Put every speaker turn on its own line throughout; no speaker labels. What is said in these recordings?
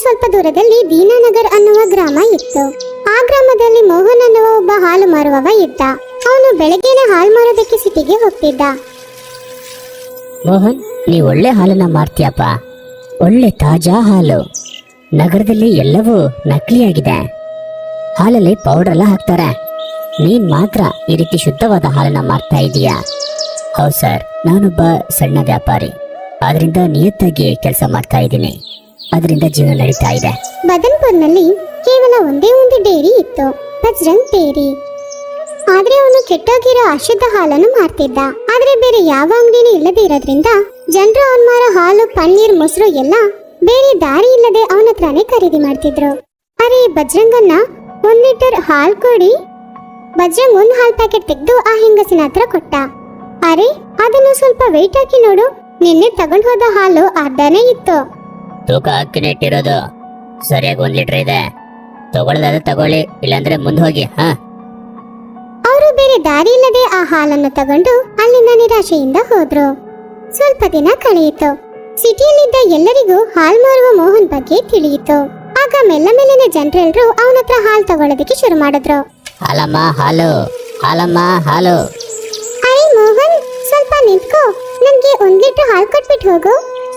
ಸ್ವಲ್ಪ ದೂರದಲ್ಲಿ ದೀನಾನಗರ್ ಅನ್ನುವ ಗ್ರಾಮ ಇತ್ತು. ಆ ಗ್ರಾಮದಲ್ಲಿ ಮೋಹನ್ ಅನ್ನುವ ಒಬ್ಬ ಹಾಲು ಮಾರುವವ ಇದ್ದ. ಅವನು ಬೆಳಗ್ಗೆನೆ ಹಾಲು ಮಾರೋದಕ್ಕೆ ಸಿಟಿಗೆ ಹೋಗ್ತಿದ್ದ.
ಮೋಹನ್, ನೀ ಒಳ್ಳೆ ಹಾಲನ್ನ ಮಾರ್ತೀಯಪ್ಪ. ಒಳ್ಳೆ ತಾಜಾ ಹಾಲು. ನಗರದಲ್ಲಿ ಎಲ್ಲವೂ ನಕಲಿಯಾಗಿದೆ. ಹಾಲಲ್ಲಿ ಪೌಡರ್ ಎಲ್ಲ ಹಾಕ್ತಾರೆ. ನೀನ್ ಮಾತ್ರ ಈ ರೀತಿ ಶುದ್ಧವಾದ ಹಾಲನ್ನ ಮಾರ್ತಾ ಇದೀಯಾ? ಹೌದು ಸರ್, ನಾನೊಬ್ಬ ಸಣ್ಣ ವ್ಯಾಪಾರಿ. ಅದರಿಂದ ನಿಯತ್ತಾಗಿ ಕೆಲಸ ಮಾಡ್ತಾ ಇದ್ದೀನಿ. ಅದರಿಂದ ಜೀವನ ನಡೀತಾ ಇದೆ.
ಬದನ್ಪುರ್ನಲ್ಲಿ ಕೇವಲ ಒಂದೇ ಒಂದು ಡೇರಿ ಇತ್ತು, ಬಜರಂಗ್ ಡೇರಿ. ಆದ್ರೆ ಅವನು ಕೆಟ್ಟೋಗಿರೋ ಅಶುದ್ಧ ಹಾಲನ್ನು ಮಾರ್ತಿದ್ದ. ಆದ್ರೆ ಬೇರೆ ಯಾವ ಅಂಗಡಿನೂ ಇಲ್ಲದೆ ಇರೋದ್ರಿಂದ ಜನರು ಅವನ್ ಮಾರೋ ಹಾಲು, ಪನ್ನೀರ್, ಮೊಸರು ಎಲ್ಲ ಬೇರೆ ದಾರಿ ಇಲ್ಲದೆ ಅವನ ಹತ್ರನೇ ಖರೀದಿ ಮಾಡ್ತಿದ್ರು. ಅರೆ ಬಜರಂಗನ್ನ 1 ಲೀಟರ್ ಹಾಲು ಕೊಡಿ. ಬಜರಂಗ್ ಒಂದು ಹಾಲ್ ಪ್ಯಾಕೆಟ್ ತೆಗೆದು ಆ ಹೆಂಗಸಿನ ಹತ್ರ ಕೊಟ್ಟ. ಅರೆ ಅದನ್ನು ಸ್ವಲ್ಪ ವೆಯ್ಟ್ ಹಾಕಿ ನೋಡು, ನಿನ್ನೆ ತಗೊಂಡ್ ಹೋದ ಹಾಲು ಅರ್ಧನೇ ಇತ್ತು.
ತೂಕ ಹಾಕಿನೇ ಇಟ್ಟಿರೋದು. ಸರಿಯಾಗಿ 1 ಲೀಟರ್ ಇದೆ. ತಗೊಳ್ಳೋದಾದ್ರೆ ತಗೊಳ್ಳಿ, ಇಲ್ಲಾಂದ್ರೆ ಮುಂದೆ ಹೋಗಿ.
ಅವರು ಬೇರೆ ದಾರಿ ಇಲ್ಲದೆ ಆ ಹಾಲನ್ನು ತಗೊಂಡು ಅಲ್ಲಿಂದ ನಿರಾಶೆಯಿಂದ ಹೋದ್ರು. ಸ್ವಲ್ಪ ದಿನ ಕಳೆಯಿತು. ಸಿಟಿಯಲ್ಲಿದ್ದ ಎಲ್ಲರಿಗೂ ಹಾಲ್ ಮಾರುವ ಮೋಹನ್ ಬಗ್ಗೆ ತಿಳಿಯಿತು. ಆಗ ಮೆಲ್ಲ ಮೆಲ್ಲನೆ ಜನರೆಲ್ಲರೂ ಅವನ ಹತ್ರ ಹಾಲು ತಗೊಳ್ಳೋದಕ್ಕೆ ಶುರು ಮಾಡಿದ್ರು.
ಹಾಲಮ್ಮ ಹಾಲು, ಹಾಲಮ್ಮ ಹಾಲು.
ಅರೆ ಮೋಹನ್, ಸ್ವಲ್ಪ ನಿಂತ್ಕೋ, ನನ್ಗೆ 1 ಲೀಟರ್ ಹಾಲು ಕೊಟ್ಬಿಟ್ಟು ಹೋಗು.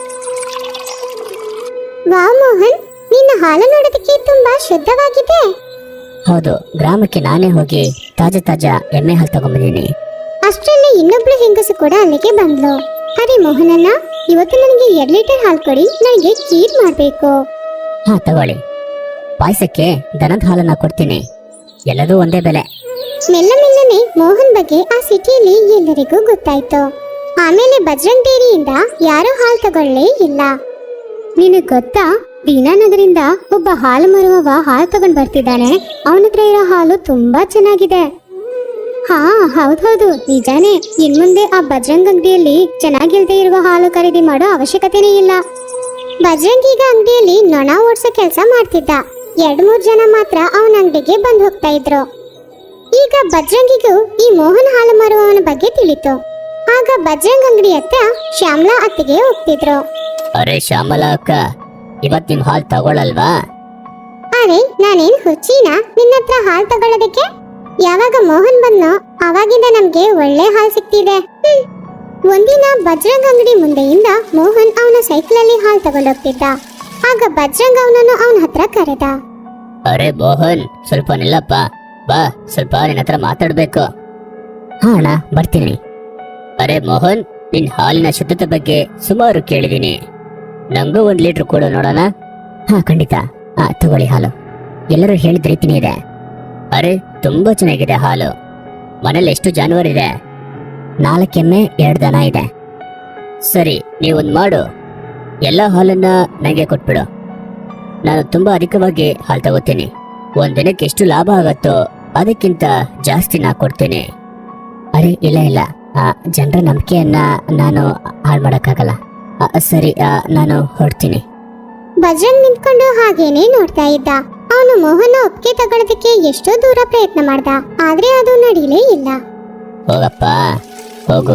ವಾವ್ ಮೋಹನ್, ನಿನ್ನ ಹಾಲು ನೋಡೋದಕ್ಕೆ ತುಂಬಾ ಶುದ್ಧವಾಗಿದೆ.
ಹೌದು, ಗ್ರಾಮಕ್ಕೆ ನಾನೇ ಹೋಗಿ ತಾಜಾ ಎಮ್ಮೆ ಹಾಲು ತಗೊಂಡ್ಬಂದಿನಿ.
ಅಷ್ಟರಲ್ಲಿ ಇನ್ನೊಬ್ಳು ಹೆಂಗಸು ಕೂಡ ಅಲ್ಲಿಗೆ ಬಂದ್ಲು. ಅರೆ ಮೋಹನಣ್ಣ, ಇವತ್ತು ನನಗೆ 2 ಲೀಟರ್ ಹಾಲು ಕೊಡಿ, ನನಗೆ ಖೀರ್ ಮಾಡ್ಬೇಕು.
ತಗೊಳ್ಳಿ. ಪಾಯಸಕ್ಕೆ ದನದ ಹಾಲನ್ನ ಕೊಡ್ತೀನಿ. ಎಲ್ಲದೂ ಒಂದೇ ಬೆಲೆ.
ಮೆಲ್ಲ ಮೆಲ್ಲನೆ ಮೋಹನ್ ಬಗ್ಗೆ ಆ ಸಿಟಿಯಲ್ಲಿ ಎಲ್ಲರಿಗೂ ಗೊತ್ತಾಯ್ತು. ಆಮೇಲೆ ಬಜರಂಗ್ ಡೇರಿಯಿಂದ ಯಾರೂ ಹಾಲು ತಗೊಳ್ಳೇ ಇಲ್ಲ. ನಿನಗ್ ಗೊತ್ತಾ, ದೀನಾನಗರಿಂದ ಒಬ್ಬ ಹಾಲು ಮಾರುವವ ಹಾಲು ತಗೊಂಡ್ ಬರ್ತಿದ್ದಾನೆ. ಅವನ ಹತ್ರ ಇರೋ ಹಾಲು ತುಂಬಾ ಚೆನ್ನಾಗಿದೆ. ಹಾ ಹೌದೌದು, ನಿಜಾನೇ. ಇನ್ಮುಂದೆ ಆ ಬಜರಂಗ್ ಅಂಗಡಿಯಲ್ಲಿ ಚೆನ್ನಾಗಿಲ್ದೇ ಇರುವ ಹಾಲು ಖರೀದಿ ಮಾಡೋ ಅವಶ್ಯಕತೆನೇ ಇಲ್ಲ. ಬಜರಂಗ್ ಈಗ ಅಂಗಡಿಯಲ್ಲಿ ನೊಣ ಓಡಿಸೋ ಕೆಲಸ ಮಾಡ್ತಿದ್ದ. 2-3 ಜನ ಮಾತ್ರ ಅವನ ಅಂಗಡಿಗೆ ಬಂದು ಹೋಗ್ತಾ ಇದ್ರು. ಈಗ ಬಜರಂಗಿಗೂ ಈ ಮೋಹನ್ ಹಾಲು ಮಾರುವವನ ಬಗ್ಗೆ ತಿಳಿತು. ಆಗ ಬಜರಂಗ್ ಅಂಗಡಿ ಹತ್ರ ಶ್ಯಾಮಲಾ ಅತ್ತಿಗೆ ಹೋಗ್ತಿದ್ರು.
ಅರೆ ಶ್ಯಾಮಲಾ ಅಕ್ಕ, ಇವತ್ ನಿಮ್ ಹಾಲು ತಗೊಳಲ್ವಾ?
ಅರೆ ನಾನೇನ್ ಹುಚ್ಚಿನಾ ನಿನ್ನ ಹತ್ರ ಹಾಲು ತಗೊಳ್ಳೋದಕ್ಕೆ? ಯಾವಾಗ ಮೋಹನ್ ಬಂದ್ನೋ ಅವಾಗಿಂದ ನಮ್ಗೆ ಒಳ್ಳೆ ಹಾಲು ಸಿಕ್ತಿದೆ. ಒಂದಿನ ಬಜರಂಗ್ ಅಂಗಡಿ ಮುಂದೆಯಿಂದ ಮೋಹನ್ ಅವನ ಸೈಕಲಲ್ಲಿ ಹಾಲು ತಗೊಂಡೋಗ್ತಿದ್ದ. ಆಗ ಬಜರಂಗ್ ಅವನನ್ನು ಅವನ ಹತ್ರ ಕರೆದ.
ಅರೆ ಮೋಹನ್, ಸ್ವಲ್ಪ ನಿಲ್ಲಪ್ಪ. ಬಾ, ಸ್ವಲ್ಪ ನಿನ್ನ ಹತ್ರ ಮಾತಾಡ್ಬೇಕು. ಅಣ್ಣ, ಬರ್ತೀನಿ. ಅರೆ ಮೋಹನ್, ನಿನ್ ಹಾಲಿನ ಶುದ್ಧತೆ ಬಗ್ಗೆ ಸುಮಾರು ಕೇಳಿದೀನಿ. ನಂಗೂ 1 ಲೀಟರ್ ಕೊಡು ನೋಡೋಣ. ಖಂಡಿತ. ತಗೊಳ್ಳಿ ಹಾಲು. ಎಲ್ಲರೂ ಹೇಳಿದ ರೀತಿನೇ ಇದೆ. ಅರೆ ತುಂಬಾ ಚೆನ್ನಾಗಿದೆ ಹಾಲು. ಮನೇಲಿ ಎಷ್ಟು ಜಾನುವಾರಿದೆ? 4 ಎಮ್ಮೆ, 2 ದನ ಇದೆ. ಸರಿ, ನೀವೊಂದು ಮಾಡು. ಎಲ್ಲ ಹಾಲನ್ನ ನನಗೆ ಕೊಟ್ಬಿಡು. ನಾನು ತುಂಬಾ ಅಧಿಕವಾಗಿ ಹಾಲು ತಗೋತೀನಿ. 1 ದಿನಕ್ಕೆ ಎಷ್ಟು ಲಾಭ ಆಗತ್ತೋ ಅದಕ್ಕಿಂತ ಜಾಸ್ತಿ ನಾ ಕೊಡ್ತೀನಿ. ಅರೆ ಇಲ್ಲ, ಜನರ ನಂಬಿಕೆಯನ್ನ ನಾನು ಹಾಳು ಮಾಡೋಕ್ಕಾಗಲ್ಲ. ಸರಿ, ನಾನು ಹೊರಡ್ತೀನಿ.
ಬಜರಂಗ್ ನಿಂತ್ಕೊಂಡು ಹಾಗೇನೆ ನೋಡ್ತಾ ಇದ್ದ. ಅವನು ಮೋಹನ್ ಒಪ್ಪಿಗೆ ತಗೊಳ್ಳೋದಕ್ಕೆ ಎಷ್ಟೋ ದೂರ ಪ್ರಯತ್ನ ಮಾಡ್ದ, ಆದ್ರೆ ಅದು ನಡೀಲೇ ಇಲ್ಲ.
ಹೋಗಪ್ಪ, ಹೋಗು.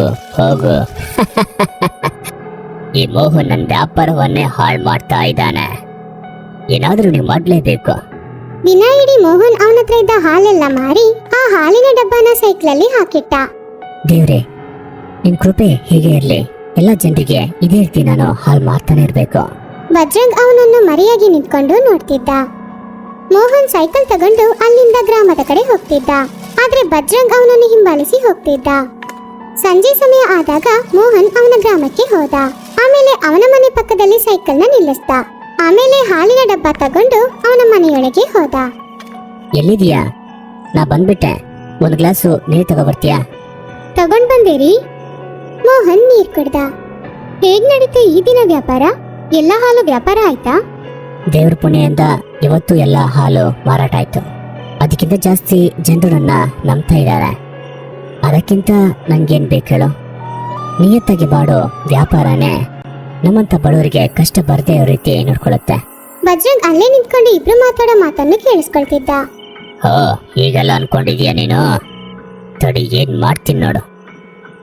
ಈ ಮೋಹನ್ ನನ್ನ ವ್ಯಾಪಾರವನ್ನೇ ಹಾಳು ಮಾಡ್ತಾ ಇದ್ದಾನೆ. ಏನಾದ್ರೂ ನೀವು ಮಾಡ್ಲೇಬೇಕು.
ದಿನ ಇಡೀ ಮೋಹನ್ ಅವನ ಹತ್ರ ಇದ್ದ ಹಾಲೆಲ್ಲ ಮಾರಿ ಆ ಹಾಲಿನ ಡಬ್ಬನ ಸೈಕಲಲ್ಲಿ ಹಾಕಿಟ್ಟ.
ದೇವ್ರೆ, ನಿನ್ ಕೃಪೆ ಹೀಗೆ ಇರ್ಲಿ. ಎಲ್ಲ ಜನರಿಗೆ ಇದೇ ರೀತಿ ನಾನು ಹಾಲು ಮಾರ್ತಾನೆ ಇರ್ಬೇಕು.
ಬಜರಂಗ್ ಅವನನ್ನು ಮರೆಯಾಗಿ ನಿಂತ್ಕೊಂಡು ನೋಡ್ತಿದ್ದ. ಮೋಹನ್ ಸೈಕಲ್ ತಗೊಂಡು ಅಲ್ಲಿಂದ ಗ್ರಾಮದ ಕಡೆ ಹೋಗ್ತಿದ್ದ. ಆದ್ರೆ ಬಜರಂಗ್ ಅವನನ್ನು ಹಿಂಬಾಲಿಸಿ ಹೋಗ್ತಿದ್ದ. ಸಂಜೆ ಸಮಯ ಆದಾಗ ಮೋಹನ್ ಅವನ ಗ್ರಾಮಕ್ಕೆ ಹೋದ. ಆಮೇಲೆ ಅವನ ಮನೆ ಪಕ್ಕದಲ್ಲಿ ಸೈಕಲ್ನ ನಿಲ್ಲಿಸ್ದ. ಆಮೇಲೆ ಹಾಲಿನ ಡಬ್ಬ ತಗೊಂಡು ಅವನ ಮನೆಯೊಳಗೆ ಹೋದ.
ಎಲ್ಲಿದೀಯಾ? ನಾ ಬಂದ್ಬಿಟ್ಟೆ. 1 ಗ್ಲಾಸು ನೀರು ತಗೋಬರ್ತೀಯಾ?
ತಗೊಂಡ್ ಬಂದೇರಿ. ಮೋಹನ್ ನೀರ್ ಕುಡ್ದ. ಹೇಗ್ ನಡೀತು ಈ ದಿನ ವ್ಯಾಪಾರ? ಎಲ್ಲ ಹಾಲು ವ್ಯಾಪಾರ ಆಯ್ತಾ?
ದೇವ್ರ ಪುಣ್ಯದಿಂದ ಇವತ್ತು ಎಲ್ಲ ಹಾಲು ಮಾರಾಟ ಆಯ್ತು. ಅದಕ್ಕಿಂತ ಜಾಸ್ತಿ ಜನರು ನನ್ನ ನಂಬ್ತಾ ಇದ್ದಾರೆ. ಅದಕ್ಕಿಂತ ನಂಗೇನ್ ಬೇಕು ಹೇಳು? ನಿಯತ್ತಾಗಿ ಮಾಡೋ ವ್ಯಾಪಾರನೇ ನಮ್ಮಂತ ಬಡವರಿಗೆ ಕಷ್ಟ ಬರದೇ ಇರೋ ರೀತಿ ನೋಡ್ಕೊಳ್ಳುತ್ತೆ.
ಬಜರಂಗ್ ಅಲ್ಲೇ ನಿಂತ್ಕೊಂಡು ಇಬ್ರು ಮಾತಾಡೋ ಮಾತನ್ನು ಕೇಳಿಸ್ಕೊಳ್ತಿದ್ದ.
ಹೀಗೆಲ್ಲ ಅನ್ಕೊಂಡಿದ್ಯಾ ನೀನು? ತಡಿ, ಏನ್ ಮಾಡ್ತೀನಿ ನೋಡು.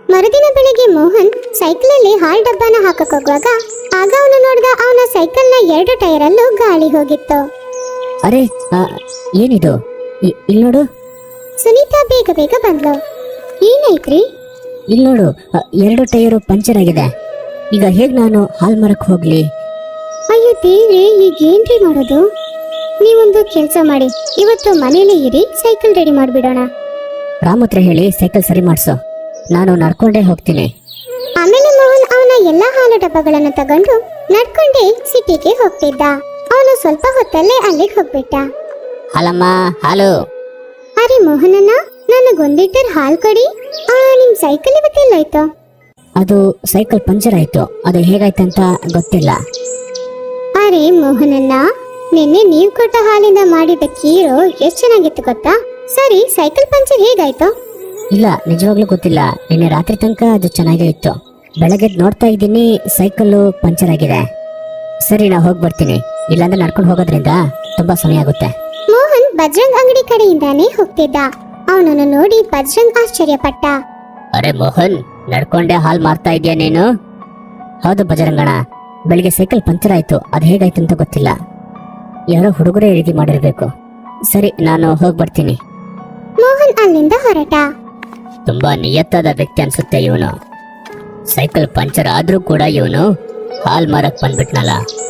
ಮರುದಿನ ಬೆಳಿಗ್ಗೆ ಮೋಹನ್ ಸೈಕಲಲ್ಲಿ ಹಾಲ್ ಡಬ್ಬನ ಹಾಕಕ್ ಹೋಗುವಾಗ ಆಗ ಅವನು ನೋಡಿದ ಅವನ ಸೈಕಲ್ನ 2 ಟೈರಲ್ಲೂ ಗಾಳಿ ಹೋಗಿತ್ತು.
ಅರೆ ಏನಿದು? ಇಲ್ಲಿ ನೋಡು.
ಸುನೀತಾ ಬೇಗ ಬೇಗ ಬಂದ್ಲು. ಏನಾಯ್ತ್ರಿ?
ಇಲ್ಲಿ ನೋಡು, 2 ಟೈರು ಪಂಚರ್ ಆಗಿದೆ. ಈಗ ಹೇಗ್ ನಾನು ಹಾಲ್ ಮರಕ್ ಹೋಗ್ಲಿ?
ಅಯ್ಯೋ ದೇವ್ರೆ, ಈಗ ಏನ್ರಿ ಮಾಡೋದು? ನೀವೊಂದು ಕೆಲಸ ಮಾಡಿ, ಇವತ್ತು ಮನೇಲಿ ಇರಿ, ಸೈಕಲ್ ರೆಡಿ ಮಾಡ್ಬಿಡೋಣ.
ರಾಮತ್ರ ಹೇಳಿ ಸೈಕಲ್ ಸರಿ ಮಾಡ್ಸು, ನಾನು ನಡ್ಕೊಂಡೇ ಹೋಗ್ತೀನಿ.
ಆಮೇಲೆ ಮೋಹನ್ ಅವನ ಎಲ್ಲಾ ಹಾಲು ಡಬ್ಬಗಳನ್ನು ತಗೊಂಡು ನಡ್ಕೊಂಡೇ ಸಿಟಿಗೆ ಹೋಗ್ತಿದ್ದ. ಅವನು ಸ್ವಲ್ಪ ಹೊತ್ತಲ್ಲೇ ಅಲ್ಲಿಗೆ ಹೋಗ್ಬಿಟ್ಟ.
ಹಾಲಮ್ಮ, ಹಾಲು.
ಅರೆ ಮೋಹನಣ್ಣ, ನನಗೊಂದ್ ಲೀಟರ್ ಹಾಲು ಕೊಡಿ. ನಿಮ್ ಸೈಕಲ್ ಇವತ್ತೆಲ್ಲೋಯ್ತು?
ಅದು ಸೈಕಲ್ ಪಂಚರ್ ಆಯ್ತು, ಅದು ಹೇಗಾಯ್ತಂತ ಗೊತ್ತಿಲ್ಲ.
ಅರೆ ಮೋಹನಣ್ಣ, ನಿನ್ನೆ ನೀವ್ ಕೊಟ್ಟ ಹಾಲಿಂದ ಮಾಡಿದ ಖೀರು ಎಷ್ಟ್ ಚೆನ್ನಾಗಿತ್ತು ಗೊತ್ತಾ? ಸರಿ, ಸೈಕಲ್ ಪಂಚರ್ ಹೇಗಾಯ್ತು?
ಇಲ್ಲ, ನಿಜವಾಗ್ಲೂ ಗೊತ್ತಿಲ್ಲ. ನಿನ್ನೆ ರಾತ್ರಿ ತನಕ ಅದು ಚೆನ್ನಾಗೇ ಇತ್ತು. ಬೆಳಗ್ಗೆ ನೋಡ್ತಾ ಇದ್ದೀನಿ ಸೈಕಲ್ಲು ಪಂಚರ್ ಆಗಿದೆ. ಸರಿ, ನಾ ಹೋಗಿ ಬರ್ತೀನಿ. ಇಲ್ಲಾಂದ್ರೆ ನಡ್ಕೊಂಡು ಹೋಗೋದ್ರಿಂದ ತುಂಬಾ ಸಮಯ ಆಗುತ್ತೆ.
ಮೋಹನ್ ಬಜ್ರಂಗ್ ಅಂಗಡಿ ಕಡೆಯಿಂದಾನೇ ಹೋಗ್ತಿದ್ದ. ಅವನನ್ನು ನೋಡಿ ಬಜ್ರಂಗ್ ಆಶ್ಚರ್ಯಪಟ್ಟ.
ಅರೆ ಮೋಹನ್, ನಡ್ಕೊಂಡೆ ಹಾಲ್ ಮಾರ್ತಾ ಇದೀಯ ನೀನು? ಹೌದು ಬಜರಂಗಣ, ಬೆಳಿಗ್ಗೆ ಸೈಕಲ್ ಪಂಚರ್ ಆಯ್ತು, ಅದು ಹೇಗಾಯ್ತು ಅಂತ ಗೊತ್ತಿಲ್ಲ. ಯಾರೋ ಹುಡುಗರೇ ರೀತಿ ಮಾಡಿರ್ಬೇಕು. ಸರಿ, ನಾನು ಹೋಗಿ ಬರ್ತೀನಿ.
ಮೋಹನ್ ಅಲ್ಲಿಂದ ಹೊರಟ.
ತುಂಬಾ ನಿಯತ್ತಾದ ವ್ಯಕ್ತಿ ಅನ್ಸುತ್ತೆ ಇವನು. ಸೈಕಲ್ ಪಂಚರ್ ಆದ್ರೂ ಕೂಡ ಇವನು ಹಾಲ್ ಮಾರಕ್ ಬಂದ್ಬಿಟ್ನಲ್ಲ.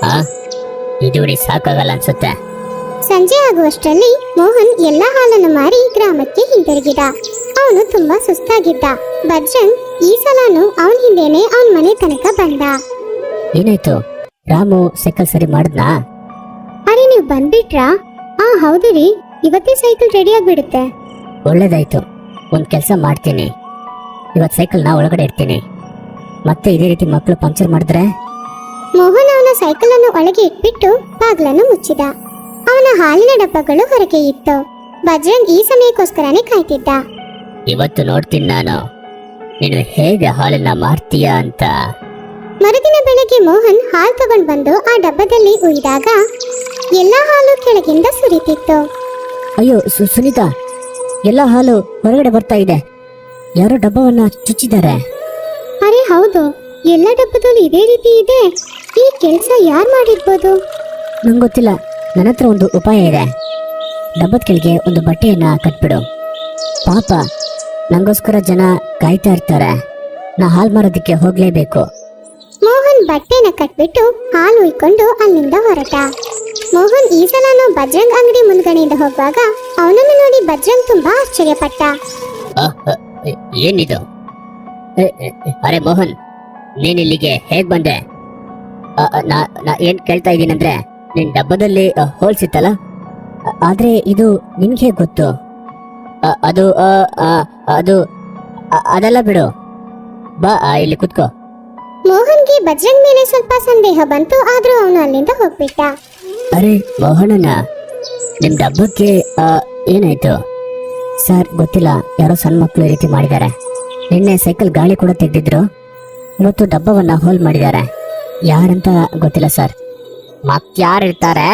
ಇದು ಸಾಕಾಗಲ್ಲ ಅನ್ಸುತ್ತೆ.
ಸಂಜೆ ಆಗುವಷ್ಟರಲ್ಲಿ ಮೋಹನ್ ಎಲ್ಲಾ ಹಾಲನ್ನು ಮಾರಿ ಗ್ರಾಮಕ್ಕೆ ಹಿಂತಿರುಗಿದ. ಅವನು ತುಂಬಾ ಸುಸ್ತಾಗಿದ್ದ. ಬಜ್ರಂಗ್ ಈ ಸಲನು ಅವನ್ ಹಿಂದೆನೆ ಅವನ್ ಮನೆ ತನಕ ಬಂದ.
ಏನಾಯ್ತು? ರಾಮು ಸೈಕಲ್ ಸರಿ ಮಾಡಿದ್ನಾ?
ಅರೆ, ನೀವ್ ಬಂದ್ಬಿಟ್ರಾ? ಹೌದು ರೀ, ಇವತ್ತೇ ಸೈಕಲ್ ರೆಡಿ ಆಗ್ಬಿಡುತ್ತೆ.
ಒಳ್ಳೇದಾಯ್ತು. ಒಂದ್ ಕೆಲಸ ಮಾಡ್ತೀನಿ, ಇವತ್ ಸೈಕಲ್ ನಾ ಒಳಗಡೆ ಇಡ್ತೀನಿ. ಮತ್ತೆ ಇದೇ ರೀತಿ ಮಕ್ಕಳು ಪಂಚರ್ ಮಾಡಿದ್ರೆ?
ಮೋಹನ್ ಅವನ ಸೈಕಲ್ ಅನ್ನು ಒಳಗೆ ಇಟ್ಬಿಟ್ಟು ಬಾಗ್ಲನ್ನು ಮುಚ್ಚಿದ. ಅವನ ಹಾಲಿನ ಡಬ್ಬಗಳು ಹೊರಗೆ ಇತ್ತು. ಬಜ್ರಂಗ್ ಈ ಸಮಯಕ್ಕೋಸ್ಕರನೇ ಕಾಯ್ತಿದ್ದ.
ಇವತ್ತು ನೋಡ್ತೀನಿ ನಾನು ನೀನು ಹೇಗೆ ಹಾಲನ್ನ ಮಾರ್ತೀಯ ಅಂತ.
ಮರುದಿನ ಬೆಳಗ್ಗೆ ಮೋಹನ್ ಹಾಲು ತಗೊಂಡ್ ಬಂದು ಆ ಡಬ್ಬದಲ್ಲಿ ಉಯ್ದಾಗ ಎಲ್ಲಾ ಹಾಲು ಕೆಳಗಿಂದ ಸುರಿತಿತ್ತು.
ಅಯ್ಯೋ ಸುನೀತಾ, ಎಲ್ಲ ಹಾಲು ಹೊರಗಡೆ ಬರ್ತಾ ಇದೆ. ಯಾರೋ ಡಬ್ಬವನ್ನ ಚುಚ್ಚಿದ್ದಾರೆ.
ಅರೆ ಹೌದು, ಎಲ್ಲ ಡಬ್ಬದಲ್ಲಿ ಇದೇ ರೀತಿ ಇದೆ. ಈ ಕೆಲಸ ಯಾರು ಮಾಡಿರ್ಬೋದು?
ನಂಗೆ ಗೊತ್ತಿಲ್ಲ. ನನ್ನ ಹತ್ರ ಒಂದು ಉಪಾಯ ಇದೆ. ಡಬ್ಬದ ಕೆಳಗೆ ಒಂದು ಬಟ್ಟೆಯನ್ನ ಕಟ್ಬಿಡು. ಪಾಪ, ನಂಗೋಸ್ಕರ ಜನ ಕಾಯ್ತಾ ಇರ್ತಾರೆ. ನಾ ಹಾಲು ಮಾರೋದಕ್ಕೆ ಹೋಗ್ಲೇಬೇಕು.
ಮೋಹನ್ ಬಟ್ಟೆನ ಕಟ್ಬಿಟ್ಟು ಹಾಲು ಉಯ್ಕೊಂಡು ಅಲ್ಲಿಂದ ಹೊರಟ. ಮೋಹನ್ ಈ ಸಲನು ಬಜ್ರಂಗ್ ಅಂಗಡಿ ಮುಂದ್ಗಡೆಯಿಂದ ಹೋಗುವಾಗ ಅವನನ್ನು ನೋಡಿ ಬಜ್ರಂಗ್ ತುಂಬಾ ಆಶ್ಚರ್ಯಪಟ್ಟ.
ಏನಿದು? ಅರೆ ಮೋಹನ್, ನೀನ್ ಇಲ್ಲಿಗೆ ಹೇಗ್ ಬಂದೆ? ನಾ ಏನ್ ಕೇಳ್ತಾ ಇದ್ದೀನಂದ್ರೆ, ನಿನ್ ಡಬ್ಬದಲ್ಲಿ ಹೋಲ್ಸಿತ್ತಲ್ಲ, ಆದ್ರೆ ಇದು ನಿನ್ಗೆ ಹೇಗ್ ಗೊತ್ತು? ಅದು ಅದು ಅದೆಲ್ಲ ಬಿಡು, ಬಾ ಇಲ್ಲಿ ಕುತ್ಕೋ.
ಮೋಹನ್ಗೆ ಬಜ್ರಂಗ್ ಮೇಲೆ ಸ್ವಲ್ಪ ಸಂದೇಹ ಬಂತು, ಆದ್ರೂ ಅವನು ಅಲ್ಲಿಂದ ಹೋಗ್ಬಿಟ್ಟ.
ಅರೆ ಮೋಹನಣ್ಣ, ನಿಮ್ ಡಬ್ಬಕ್ಕೆ ಏನಾಯ್ತು? ಸರ್ ಗೊತ್ತಿಲ್ಲ, ಯಾರೋ ಸಣ್ಣ ಮಕ್ಕಳು ಈ ರೀತಿ ಮಾಡಿದ್ದಾರೆ. ನಿನ್ನೆ ಸೈಕಲ್ ಗಾಳಿ ಕೂಡ ತೆಗೆದಿದ್ರು, ಇವತ್ತು ಡಬ್ಬವನ್ನ ಹೋಲ್ ಮಾಡಿದ್ದಾರೆ. ಯಾರಂತ ಗೊತ್ತಿಲ್ಲ ಸರ್. ಮತ್ತಾರಿರ್ತಾರೆ?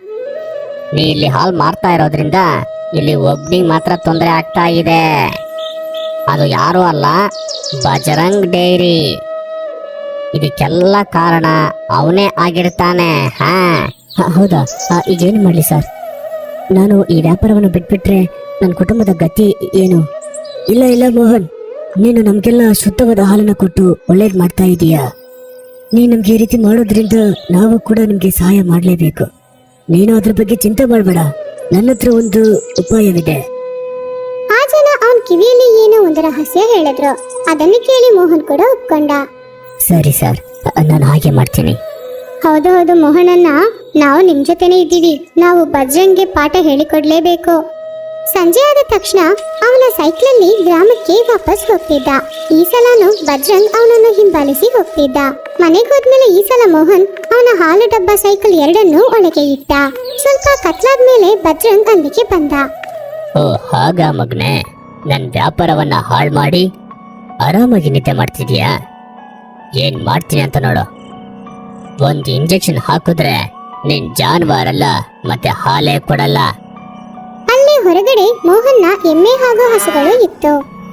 ನೀ ಇಲ್ಲಿ ಹಾಲ್ ಮಾರ್ತಾ ಇರೋದ್ರಿಂದ ಇಲ್ಲಿ ಒಬ್ನಿಗೆ ಮಾತ್ರ ತೊಂದರೆ ಆಗ್ತಾ ಇದೆ. ಅದು ಯಾರು ಅಲ್ಲ, ಬಜರಂಗ್ ಡೈರಿ. ಇದಕ್ಕೆಲ್ಲ ಕಾರಣ ಅವನೇ ಆಗಿರ್ತಾನೆ. ಹೌದಾ? ಈಗೇನು ಮಾಡಲಿ ಸರ್? ನಾನು ಈ ವ್ಯಾಪಾರವನ್ನು ಬಿಟ್ಬಿಟ್ರೆ ನನ್ನ ಕುಟುಂಬದ ಗತಿ ಏನು? ಇಲ್ಲ ಮೋಹನ್, ನೀನು ನಮ್ಗೆಲ್ಲ ಶುದ್ಧವಾದ ಹಾಲನ್ನ ಕೊಟ್ಟು ಒಳ್ಳೇದ್ ಮಾಡ್ತಾ ಇದೀಯಾ. ನೀ ನಮ್ಗೆ ಈ ರೀತಿ ಮಾಡೋದ್ರಿಂದ ನಾವು ಕೂಡ ನಿಮ್ಗೆ ಸಹಾಯ ಮಾಡ್ಲೇಬೇಕು. ನೀನು ಅದ್ರ ಬಗ್ಗೆ ಚಿಂತೆ ಮಾಡಬೇಡ, ನನ್ನ ಹತ್ರ ಒಂದು ಉಪಾಯವಿದೆ.
ಆ ಜನ ಅವನ್ ಕಿವಿಯಲ್ಲಿ ಏನೋ ಒಂದು ರಹಸ್ಯ ಹೇಳಿದ್ರು. ಅದನ್ನು ಕೇಳಿ ಮೋಹನ್ ಕೂಡ ಒಪ್ಕೊಂಡ.
ಸರಿ ಸರ್, ನಾನು ಹಾಗೆ ಮಾಡ್ತೀನಿ.
ಹೌದು ಮೋಹನಣ್ಣ, ನಾವು ನಿಮ್ ಜೊತೆನೆ ಇದ್ದೀವಿ. ನಾವು ಬಜ್ರಂಗ್ಗೆ ಪಾಠ ಹೇಳಿಕೊಡ್ಲೇಬೇಕು. ಸಂಜೆ ಆದ ತಕ್ಷಣ ಅವನ ಸೈಕ್ಲಲ್ಲಿ ಗ್ರಾಮಕ್ಕೆ ವಾಪಸ್ ಹೋಗ್ತಿದ್ದ. ಈ ಸಲನು ಬಜ್ರಂಗ್ ಅವನನ್ನು ಹಿಂಬಾಲಿಸಿ ಹೋಗ್ತಿದ್ದ. ಮನೆಗೆ ಹೋದ್ಮೇಲೆ ಈ ಸಲ ಮೋಹನ್ ಅವನ ಹಾಲು ಡಬ್ಬ ಸೈಕಲ್ ಎರಡನ್ನೂ ಒಳಗೆ ಇಟ್ಟ. ಸ್ವಲ್ಪ ಕತ್ಲಾದ್ಮೇಲೆ ಬಜ್ರಂಗ್ ಅಲ್ಲಿಗೆ ಬಂದ.
ಓ ಹಾಗ ಮಗ್ನೆ, ನನ್ನ ವ್ಯಾಪಾರವನ್ನ ಹಾಳು ಮಾಡಿ ಆರಾಮಾಗಿ ನಿದ್ದೆ ಮಾಡ್ತಿದ್ಯಾ? ಏನ್ ಮಾಡ್ತೀನಿ ಅಂತ ನೋಡು. ಒಂದು ಇಂಜೆಕ್ಷನ್ ಹಾಕಿದ್ರೆ ನೀನ್ ಜಾನುವಾರಲ್ಲ, ಮತ್ತೆ ಹಾಲೇ ಕೊಡಲ್ಲ.
ಅಲ್ಲೇ ಹೊರಗಡೆ ಮೋಹನ್ನ ಎಮ್ಮೆ ಹಾಗೂ ಹಸುಗಳು ಇತ್ತು.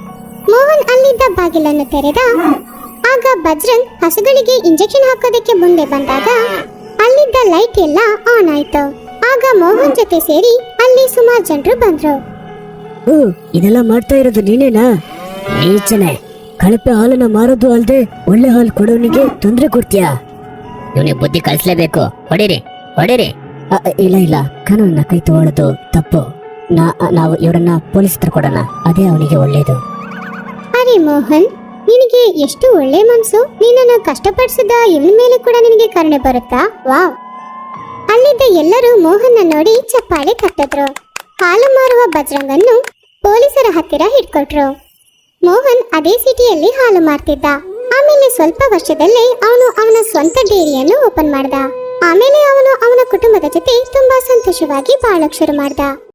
ಮೋಹನ್ ಅಲ್ಲಿದ್ದ ಬಾಗಿಲನ್ನು ತೆರೆದ. ಆಗ ಬಜ್ರಂಗ್ ಹಸುಗಳಿಗೆ ಇಂಜೆಕ್ಷನ್ ಹಾಕೋದಕ್ಕೆ ಮುಂದೆ ಬಂದಾಗ ಅಲ್ಲಿದ್ದ ಲೈಟ್ ಎಲ್ಲ ಆನ್ ಆಯ್ತು. ಆಗ ಮೋಹನ್ ಜೊತೆ ಸೇರಿ ಅಲ್ಲಿ ಸುಮಾರು ಜನರು ಬಂದ್ರು.
ಓ, ಇದೆಲ್ಲ ಮಾಡ್ತಾ ಇರೋದು ನೀನೇನಾ? ನೀಚನೆ, ಕಳಪೆ ಹಾಲನ್ನ ಮಾರೋದು ಅಲ್ದೆ ಒಳ್ಳೆ ಹಾಲು ಕೊಡೋನಿಗೆ ತೊಂದರೆ ಕೊಡ್ತೀಯಾ?
ಇವನಿಗೆ ಬುದ್ಧಿ ಕಲಿಸ್ಲೇಬೇಕು. ಹೊಡಿರಿ ಹೊಡಿರಿ.
ಇಲ್ಲ ಇಲ್ಲ, ಕಾನೂನನ್ನ ಕೈ ತಗೊಳ್ಳೋದು ತಪ್ಪು. ನಾವು ಇವರನ್ನ ಪೊಲೀಸ್ ಹತ್ರ ಕೊಡೋಣ, ಅದೇ ಅವನಿಗೆ ಒಳ್ಳೇದು.
ಅರೆ ಮೋಹನ್, ನಿನಗೆ ಎಷ್ಟು ಒಳ್ಳೆ ಮನ್ಸು. ನಿನ್ನನ್ನು ಕಷ್ಟಪಡಿಸಿದ ಇವನ ಮೇಲೆ ಕೂಡ ನಿನಗೆ ಕರುಣೆ ಬರುತ್ತಾ? ವಾವ್. ಅಲ್ಲಿದ್ದ ಎಲ್ಲರೂ ಮೋಹನ್ನ ನೋಡಿ ಚಪ್ಪಾಳೆ ತಟ್ಟಿದ್ರು. ಹಾಲು ಮಾರುವ ಬಜ್ರಂಗನ್ನು ಪೊಲೀಸರ ಹತ್ತಿರ ಹಿಡ್ಕೊಟ್ರು. ಮೋಹನ್ ಅದೇ ಸಿಟಿಯಲ್ಲಿ ಹಾಲು ಮಾರ್ತಿದ್ದ. ಆಮೇಲೆ ಸ್ವಲ್ಪ ವರ್ಷದಲ್ಲೇ ಅವನು ಅವನ ಸ್ವಂತ ಡೇರಿಯನ್ನು ಓಪನ್ ಮಾಡ್ದ. ಆಮೇಲೆ ಅವನು ಅವನ ಕುಟುಂಬದ ಜೊತೆ ತುಂಬಾ ಸಂತೋಷವಾಗಿ ಬಾಳಕ್ ಶುರು ಮಾಡ್ದ.